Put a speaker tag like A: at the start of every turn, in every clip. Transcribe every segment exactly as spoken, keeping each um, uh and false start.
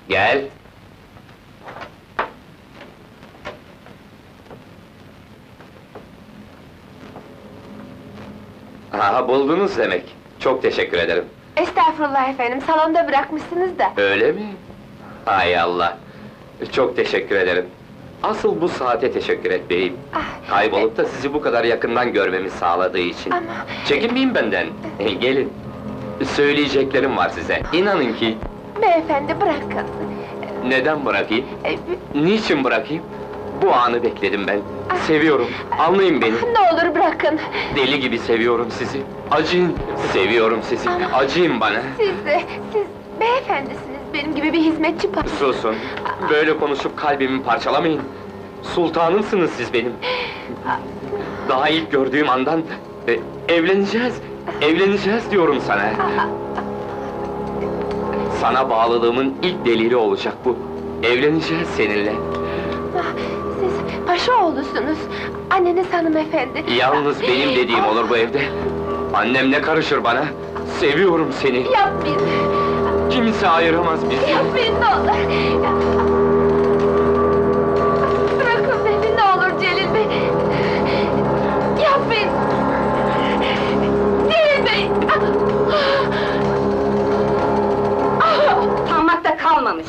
A: Gel. Aha, buldunuz demek. Çok teşekkür ederim.
B: Estağfurullah efendim, salonda bırakmışsınız da.
A: Öyle mi? Hay Allah! Çok teşekkür ederim. Asıl bu saate teşekkür etmeliyim.
B: Ah,
A: Kaybolup da sizi bu kadar yakından görmemi sağladığı için.
B: Ama...
A: Çekinmeyin benden. E, gelin. Söyleyeceklerim var size. İnanın ki...
B: Beyefendi bırakın.
A: Neden bırakayım?
B: Ee,
A: Niçin bırakayım? Bu anı bekledim ben. Seviyorum. Anlayın beni.
B: Ne olur bırakın.
A: Deli gibi seviyorum sizi. Acıyın. Seviyorum sizi.
B: Ama-
A: Acıyın bana.
B: Siz de, siz beyefendisiniz, benim gibi bir hizmetçi pa...
A: Susun. Böyle konuşup kalbimi parçalamayın. Sultanımsınız siz benim. Daha ilk gördüğüm andan... e, evleneceğiz. Evleneceğiz diyorum sana. Sana bağlılığımın ilk delili olacak bu. Evleneceğiz seninle.
B: Ah, siz paşa oğlusunuz, anneniz hanımefendi.
A: Yalnız benim dediğim olur bu evde. Annem ne karışır bana? Seviyorum seni.
B: Yapmayın,
A: Kimse ayıramaz bizi.
B: yapmayın ne olur! Bırakın beni ne olur Celil Bey! Yapmayın! Celil Bey!
C: Utanmakta kalmamış!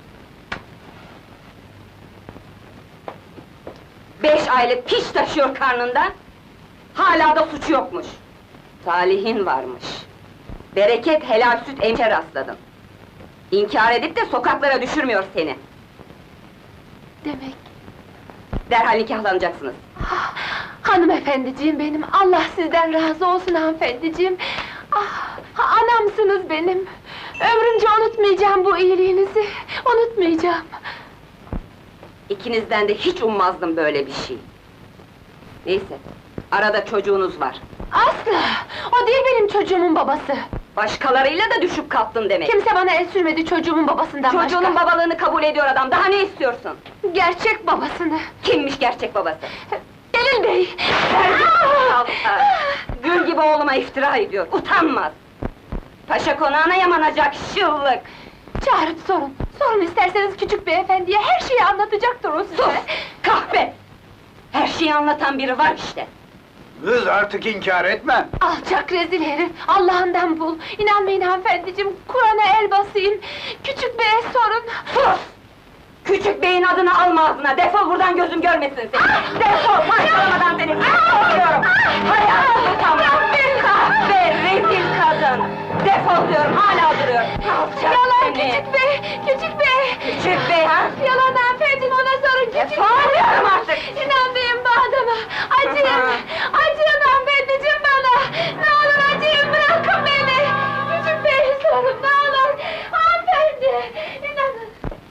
C: Beş aylık piş taşıyor karnında, hala da suçu yokmuş! Talihin varmış! Bereket helal süt emçe rastladın! İnkar edip de sokaklara düşürmüyor seni!
B: Demek...
C: Derhal nikahlanacaksınız!
B: Ah, hanımefendiciğim benim, Allah sizden razı olsun hanımefendiciğim! Ah, anamsınız benim! Ömrümce unutmayacağım bu iyiliğinizi, unutmayacağım!
C: İkinizden de hiç ummazdım böyle bir şey! Neyse, arada çocuğunuz var!
B: Asla! O değil benim çocuğumun babası!
C: Başkalarıyla da düşüp kalktın demek!
B: Kimse bana el sürmedi çocuğumun babasından
C: Çocuğunun
B: başka!
C: babalığını kabul ediyor adam, daha ne istiyorsun?
B: Gerçek babasını!
C: Kimmiş gerçek babası?
B: Celil Bey!
C: Allah! Gül gibi oğluma iftira ediyor, utanmaz! Paşa konağına yamanacak şıllık!
B: Çağırıp sorun! Sorun isterseniz küçük beyefendiye, her şeyi anlatacaktır o size!
C: Sus! Kahpe! Her şeyi anlatan biri var işte!
D: Kız artık inkar etme!
B: Alçak rezil herif! Allah'ından bul! İnanmayın hanımefendiciğim, Kur'an'a el basayım! Küçük beye sorun!
C: Sus! Küçük beyin adını alma ağzına, defol buradan gözüm görmesin seni! Defol, parçalamadan seni! Soruyorum! Hayatım utanmaz! Kahpe, rezil kadın! Defol diyorum, hala duruyor! Alçak
B: Yalan
C: seni!
B: küçük bey! Küçük bey!
C: Küçük bey ha?
B: Yalan hanımefendi, ona sorun küçük
C: Defol diyorum artık!
B: İnanmayın bu adama! Acıyın! Acıyın hanımefendiciğim bana! Ne olur acıyın, bırakın beni! Küçük beye sorun, ne olur! Hanımefendi! İnanın!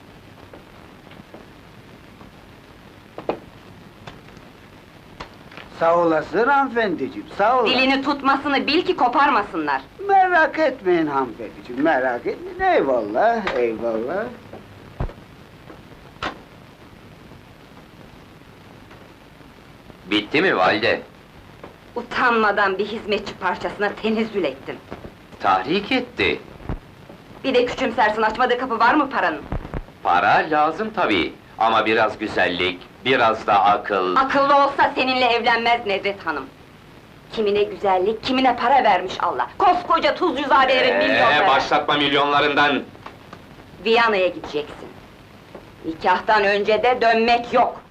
D: Sağ olasın hanımefendiciğim, sağ olasın.
C: Dilini tutmasını bil ki koparmasınlar!
D: Merak etmeyin hanımefendiciğim, merak etmeyin. Eyvallah, eyvallah.
A: Bitti mi valide?
C: Utanmadan bir hizmetçi parçasına tenezzül ettin!
A: Tahrik etti.
C: Bir de küçümsersin, açmadığı kapı var mı paranın?
A: Para lazım tabii. Ama biraz güzellik, biraz da akıl...
C: Akıllı olsa seninle evlenmez Nedret Hanım! Kimine güzellik, kimine para vermiş Allah! Koskoca Tuzcuzadelerin
A: Ee,
C: milyonları!
A: başlatma milyonlarından!
C: Viyana'ya gideceksin! Nikahtan önce de dönmek yok!